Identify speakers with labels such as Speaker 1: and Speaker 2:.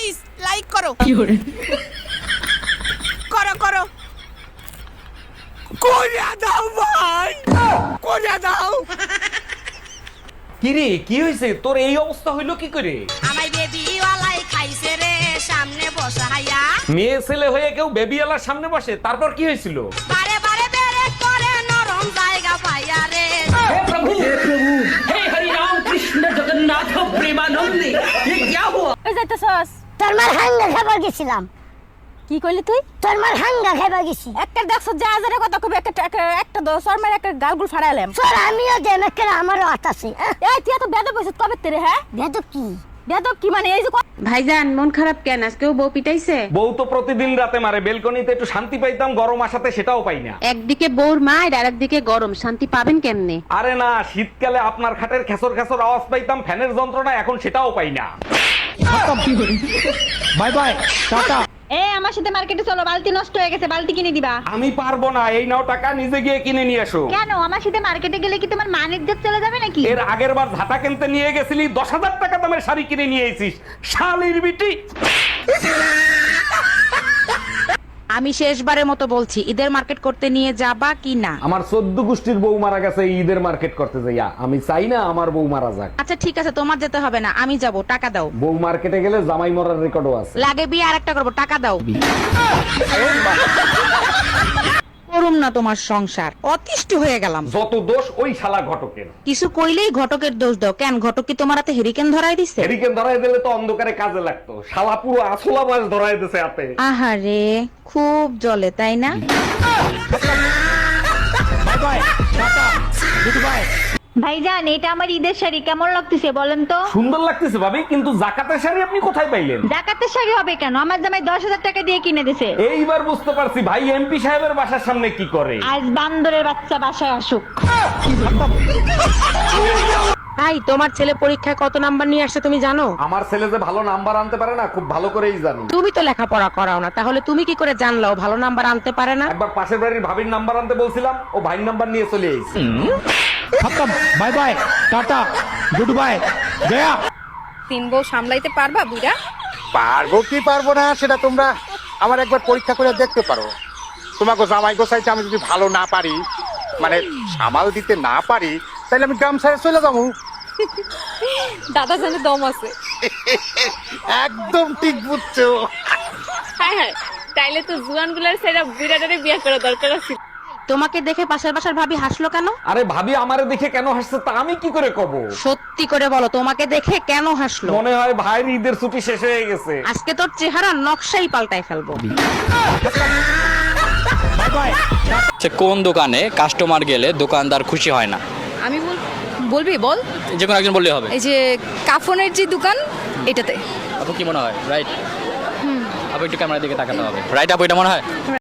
Speaker 1: Guys like করো করো করো কোরিয়া দাও ভাই কোরিয়া দাও।
Speaker 2: কিরে কি হয়েছে তোর এই অবস্থা হইলো কি করে?
Speaker 1: আমার বেবি ওয়ালাই খাইছে রে সামনে বসাইয়া।
Speaker 2: মেয়ে ছেলে হয়ে কেউ বেবিওয়ালার সামনে বসে, তারপর কি হয়েছিল?
Speaker 1: বারে বারে বেরে করে নরম জায়গা পাইয়া রে।
Speaker 3: ওই যাইতেছস
Speaker 4: তোর মার হাঙ্গা খাবার গেছিলাম।
Speaker 3: কি কইলি তুই?
Speaker 4: তোর মার হাঙ্গা খাবার গেছি।
Speaker 3: একটা দেখছ যা হাজারে কথা কবি একটা দশর মার একটা গালগুল ফাড়াইলাম।
Speaker 4: তোর আমিও দেন একটা আমারও হাত আছে।
Speaker 3: এই তুই এত বেদব হইছিস কবে তেরে? হ্যাঁ
Speaker 4: বেদব কি?
Speaker 3: বেদব কি মানে? এই যে
Speaker 5: ভাইজান মন খারাপ কেন? আজকেও বউ পিটাইছে?
Speaker 2: বউ তো প্রতিদিন রাতে মারে, বেলকনিতে একটু শান্তি পাইতাম গরম আসাতে সেটাও পাই না।
Speaker 5: একদিকে বউর মায়ের আর একদিকে গরম, শান্তি পাবেন কেমনে?
Speaker 2: আরে না, শীতকালে আপনার খাটের খেসর খেসর আওয়াজ পাইতাম, ফ্যানের যন্ত্রণা এখন সেটাও পাই না।
Speaker 6: Bye bye tata.
Speaker 3: এই আমার সাথে মার্কেটে চলো, বালতি নষ্ট হয়ে গেছে, বালতি কিনে দিবা।
Speaker 2: আমি পারবো না, এই নাও টাকা, নিজে গিয়ে কিনে নিয়ে এসো।
Speaker 3: কেন? আমার সাথে মার্কেটে গেলে কি তোমার মান ইজ্জত চলে যাবে নাকি?
Speaker 2: এর আগের বার ঝাঁটা কিনতে নিয়ে গেছিলি, 10,000 টাকা দামের শাড়ি কিনে নিয়ে এসিস, শালির বিটি।
Speaker 5: আমি শেষবারের মতো বলছি, ঈদের মার্কেট করতে নিয়ে যাবা কি না?
Speaker 2: আমার 14 গোষ্ঠীর বউ মারা গেছে এই ঈদের মার্কেট করতে যাইয়া, আমি চাই না আমার বউ মারা যাক।
Speaker 5: আচ্ছা ঠিক আছে, তোমার যেতে হবে না, আমি যাব, টাকা দাও।
Speaker 2: বউ মার্কেটে গেলে জামাই মরার রেকর্ডও আছে।
Speaker 5: লাগে বিয়ে আরেকটা করবো, টাকা দাও। করুম না তোমার সংসার, অতিষ্ঠ হয়ে গেলাম।
Speaker 2: যত দোষ ওই শালা ঘটকের।
Speaker 5: কিছু কইলেই ঘটকের দোষ দাও কেন? ঘটক কি তোমার হাতে হেরিকেন ধরাই দিছে?
Speaker 2: হেরিকেন ধরাই দিলে তো অন্ধকারে কাজে লাগতো, শালা পুরো আসলা মাছ ধরাই দিছে হাতে।
Speaker 5: আহারে খুব জ্বলে তাই না?
Speaker 6: Bye bye tata goodbye.
Speaker 3: ভাইজান এটা আমার ঈদের শাড়ি, কেমন লাগতেছে বলেন তো?
Speaker 2: সুন্দর লাগতেছে ভাবি, কিন্তু জাকাতের শাড়ি আপনি কোথায় পাইলেন?
Speaker 3: জাকাতের শাড়ি হবে কেন? আমার জামাই 10,000 টাকা দিয়ে কিনে দিছে।
Speaker 2: এইবার বুঝতে পারছি ভাই এমপি সাহেবের বাসার সামনে কি করে।
Speaker 3: আজ বান্দরের বাচ্চা বাসায় আসুক।
Speaker 5: ভাই তোমার ছেলে পরীক্ষায় কত নাম্বার নিয়ে আসছে তুমি জানো?
Speaker 2: আমার ছেলে যে ভালো নাম্বার আনতে পারে না, খুব ভালো করেই জানি।
Speaker 5: তুমি তো লেখাপড়া করাও না, তাহলে তুমি কি করে জানলাও ভালো নাম্বার আনতে পারে না?
Speaker 2: একবার পাশের বাড়ির ভাবির নাম্বার আনতে বলছিলাম, ও ভাইয়ের নাম্বার নিয়ে চলে এসেছে।
Speaker 6: খতম bye bye tata goodbye গয়া।
Speaker 3: 3 বউ সামলাইতে পারবা বুইড়া?
Speaker 7: পারবো কি পারবো না সেটা তোমরা আমার একবার পরীক্ষা করে দেখতে পারো। তোমাকে জামাই গোসাইতে আমি যদি ভালো না পারি, মানে সামাল দিতে না পারি, তাহলে আমি গ্রাম ছেড়ে চলে যাবো।
Speaker 3: দাদা জানে দম আছে।
Speaker 7: একদম ঠিক বুঝছো।
Speaker 8: হ্যাঁ হ্যাঁ, তাইলে তো জুয়ানগুলার সেরা বুড়াটারে বিয়ে করা দরকার আছে।
Speaker 5: তোমাকে দেখে পাশের বাসার ভাবি হাসলো কেন?
Speaker 2: আরে ভাবি আমারে দেখে কেন হাসছে তা আমি কি করে কব?
Speaker 5: সত্যি করে বলো, তোমাকে দেখে কেন হাসলো?
Speaker 2: মনে হয় ভাইয়ের ঈদের ছুটি শেষ হয়ে গেছে।
Speaker 5: আজকে তোর চেহারা নকশাই পাল্টাই ফেলবো।
Speaker 6: Bye bye.
Speaker 9: সে কোন দোকানে কাস্টমার গেলে দোকানদার খুশি হয় না?
Speaker 8: আমি বলবি বল,
Speaker 9: যে কোনো একজন বললেই হবে।
Speaker 8: এই যে কাফনের যে দোকান এটাতে।
Speaker 9: আপু কি মনে হয়? রাইট? আপু একটু ক্যামেরার দিকে তাকাতে হবে। রাইট আপু, এটা মনে হয়?